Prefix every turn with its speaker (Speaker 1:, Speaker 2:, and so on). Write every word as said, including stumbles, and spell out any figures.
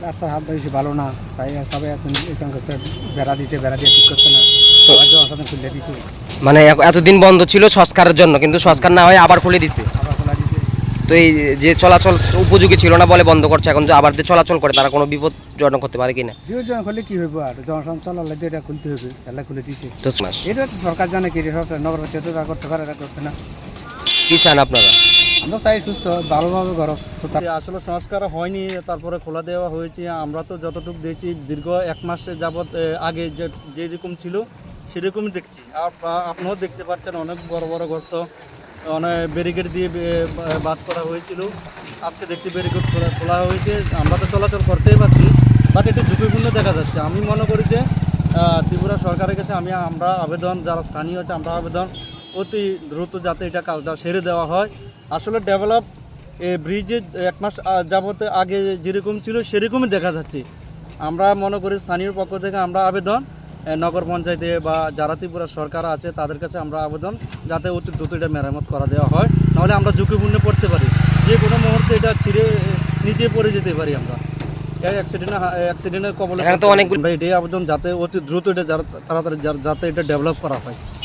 Speaker 1: রাস্তার হাত বেশি ভালো না, তাই সবাই এখন এখানকার বেড়া দিতে বেড়া দিয়ে ঠিক করছে না,
Speaker 2: তো
Speaker 1: জনসাধারণ খুলে দিছে,
Speaker 2: মানে এ- এতদিন বন্ধ ছিল সংস্কারের জন্য, কিন্তু সংস্কার না হয়ে আবার খুলে দিছে।
Speaker 1: আবার খোলা দিছে।
Speaker 2: তো এই যে চলাচল উপযোগী ছিল না বলে বন্ধ করছে, এখন যে আবার যে চলাচল করে তারা কোনো বিপদজনক হতে পারে কিনা?
Speaker 1: বিপদ জন করলে কি হইব, আর জনসাধারণ চলালে এটা খুলতে হবে, এলা খুলে দিছে।
Speaker 2: তো মাস
Speaker 1: এটা তো সরকার জানে কি রে, সরকার নগরবাসী তো তা করতে পারে, এটা করছে না।
Speaker 2: কি চান আপনারা?
Speaker 1: আমরা চাই সুস্থ ভালোভাবে ঘর।
Speaker 3: আসলে সংস্কার হয়নি, তারপরে খোলা দেওয়া হয়েছে। আমরা তো যতটুকু দেখছি দীর্ঘ এক মাস যাবৎ এ, আগে যে যেরকম ছিল সেরকমই দেখছি। আর আ- আপনিও দেখতে পাচ্ছেন অনেক বড় বড় গর্ত, অনেক ব্যারিকেড দিয়ে বে- বা- বাদ করা হয়েছিল। আজকে দেখছি ব্যারিকেড খোলা খোলা হয়েছে, আমরা তো চলাচল করতেই পারছি, বাট একটু ঝুঁকিপূর্ণ দেখা যাচ্ছে। আমি মনে করি যে আহ, ত্রিপুরা সরকারের কাছে আমি আমরা আবেদন, যারা স্থানীয় আছে আমরা আবেদন অতি দ্রুত যাতে এটা কাজটা সেরে দেওয়া হয়। আসলে ডেভেলপ এই ব্রিজে এক মাস আ- যাবত আগে যেরকম ছিল সেরকমই দেখা যাচ্ছে। আমরা মনে করি স্থানীয় পক্ষ থেকে আমরা আবেদন এ, নগর পঞ্চায়েতে বা যারা ত্রিপুরা সরকার আছে তাদের কাছে আমরা আবেদন যাতে অতি দ্রুত এটা মেরামত করা দেওয়া হয়, নাহলে আমরা ঝুঁকিপূর্ণে পড়তে পারি, যে কোনো মুহূর্তে এটা ছিঁড়ে এ, নিচে পড়ে যেতে পারি আমরা, এই অ্যাক্সিডেন্ট অ্যাক্সিডেন্টের কবলে
Speaker 2: এখানে তো
Speaker 3: পড়তে পারি।
Speaker 2: অনেকগুলো-
Speaker 3: আমরা এটাই আবেদন যাতে অতি দ্রুত এটা যারা- তাড়াতাড়ি যা- যাতে এটা ডেভেলপ করা হয়।